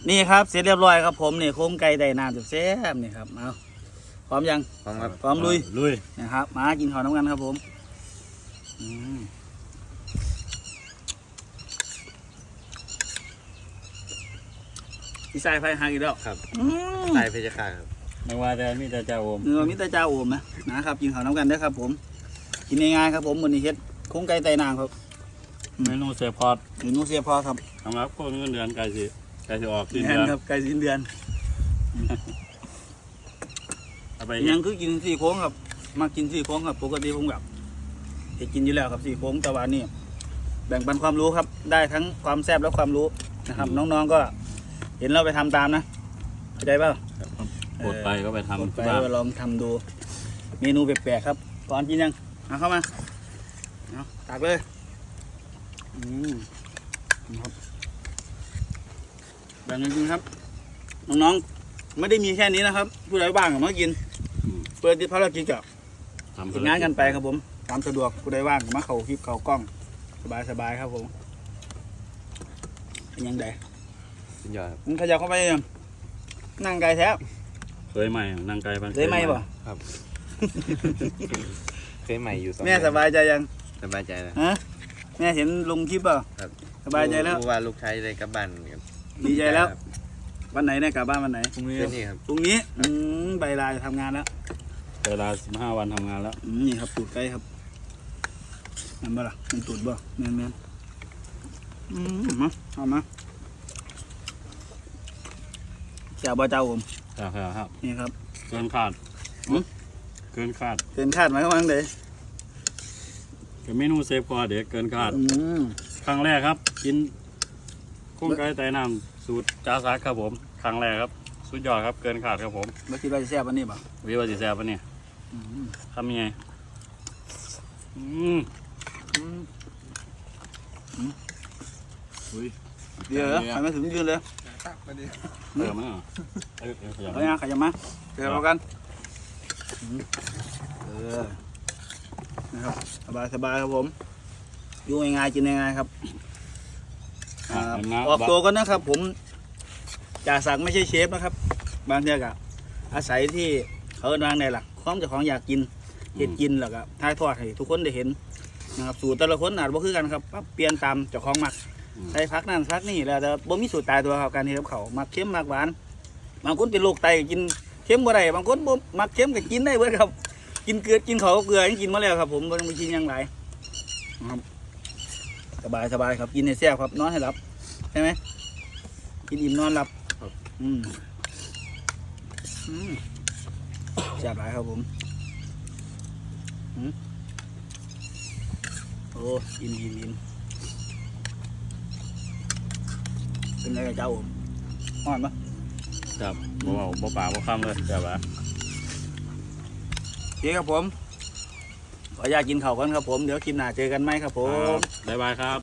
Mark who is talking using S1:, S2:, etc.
S1: นี่ครับเสร็จเรียบร้อยครับผมนี่โครงไก่ไดน้ำแซ่บๆนี่ครับเอาพร้อมยัง
S2: พร้อมครับ
S1: พร้อมลุย
S3: ลุย
S1: นะครับมากินข้าวน้ำกันครับผมพี่ชายไฟหาอีกแล้ว
S2: ครับ
S1: อืม
S2: ตายเพชรฆาตครับ
S3: ไม่ว่าแต่มีแต่เจ้าโอม
S1: เนื้อมิตรเจ้าโอมนะครับกินข้าวน้ำกันเด้อครับผมกินง่ายๆครับผมมื้อนี้เฮ็ดโครงไก่ไดน้ำครับ
S3: เมนูเซฟพอด
S1: เมนูเสียพอครับ
S3: สำหรับคนเงินเดือนไก่สิออกสิ้น
S1: แม่
S3: เดื
S1: น
S3: อน
S1: ครับไก่สิ้นเดือน
S3: เอาไป
S1: ยังคือกินซี่โครงครับมากินซี่โครงครับปกติผมแบบเฮ็ดกินอยู่แล้วครับซี่โครงแต่ว่านี่แบ่งปันความรู้ครับได้ทั้งความแซ่บและความรู้นะครับ น้องๆก็เห็นเราไปทำตามนะเข้าใจเปล่า
S3: ปลดไปก็ไป
S1: กด
S3: ทำ
S1: ไป
S3: ที่บ้าน
S1: ลองทำดูเมนูแปลกๆครับก่อนกินยังเอาเข้ามาเอาตักเลยครับแบ่งกันกินครับน้องๆไม่ได้มีแค่นี้นะครับผู้ใดบ้างก็มากินเปิดที่ภารกิจกับ
S3: ทำ
S1: ทำงานกันไปครับผมตามสะดวกผู้ใดว่างก็มาเข้าคลิปเข้ากล้องสบายๆครับผมเป็นยังไง
S2: สุดยอดครับ
S1: มึงขยับเข้าไปยังนั่งไกลแท้
S3: เคยใหม่นั่งไก่บ้าน
S1: ได้ไหมบ่
S2: เคยใหม่อยู่2
S1: แม่สบายใจยัง
S2: สบายใจแล้ว
S1: ฮะแม่เห็นลงคลิปเปล่า
S2: ครับ
S1: สบายใจแล้ว
S2: รู้ว่าลูกชายได้กลับบ้านครับ
S1: ดีใจแล้ว วันไหนเนี่ยกลับบ้านวันไหน
S3: พรุ่งนี้
S2: เพื่อนนี่ครับ
S1: พรุ่งนี้ใบลาจะทำงานแล้ว
S3: เวลา15 วันทำงานแล้ว
S1: นี่ครับตูดไก่ครับนั่นบ่ล่ะมันตูดบ่แม่นมาเอามาแซ่บบ่เจ้าผม
S3: ครับ
S1: นี่ครับ
S3: เกินคาด
S1: หือ
S3: เกินคาด
S1: เกินคาดไหมว่าจังได
S3: กับเมนูเซฟพอดเด็กเกินคาด
S1: ม
S3: ครั้งแรกครับ กินกุ้งไก่ไต่น้ำสูตรจ้าซักครับผมครั้งแรกครับสุดยอดครับเกินขาดครับผม
S1: บ่คิดว่าจะแซ่บวันนี้บ่
S3: วิวาสิแซ่บปะเนี่ย
S1: อืม
S3: ทำยังไงอืม
S1: อืมเดี๋ยวเหรอไปมาถึงยืนเลย
S3: เติมมั้ยเหรอขยับ
S1: เอายังขยับมาเดี๋ยวเรากันนะครับสบายครับผมอยู่ง่ายๆกินง่ายๆครับออกตัวกันนะครับ ผมจ่าศักดิ์ไม่ใช่เชฟนะครับ บางทีก็อาศัยที่เขาวางในหลักความเจ้าของอยากกินเห็ดกินแล้วก็ถ่ายทอดให้ทุกคนได้เห็นนะครับสูตรแต่ละคนอาจบ่คือกันครับปรับเปลี่ยนตามเจ้าของมักใส่พักนั่นพักนี่แล้วแต่บ่มีสูตรตายตัวครับการเฮ็ดกับเขาวมักเค็มมักหวานบางคนเป็นโรคไตกินเค็มบ่ได้บางคนบ่มักเค็มก็กินได้เบิดครับ กินเกลือกินเขาวกับเกลือยังกินมาแล้วครับ ผมบ่ต้องไปกินหยังหลายนะครับสบายครับกินให้แซ่บครับนอนให้หลับใช่ไหมกินอิ่มนอนหลับแซ่บหลายครับผมโอ้อิ่มเป็นไงกับเจ้าผมอ่อนปะ
S3: ครับบ่ป่าบ่ค่ำเลยแต่ว่า
S1: โอเคครับผมขออนุญาตกินข้าวก่อนครับผมเดี๋ยวคลิปหน้าเจอกันไหมครับผม
S3: บ๊ายบายครับ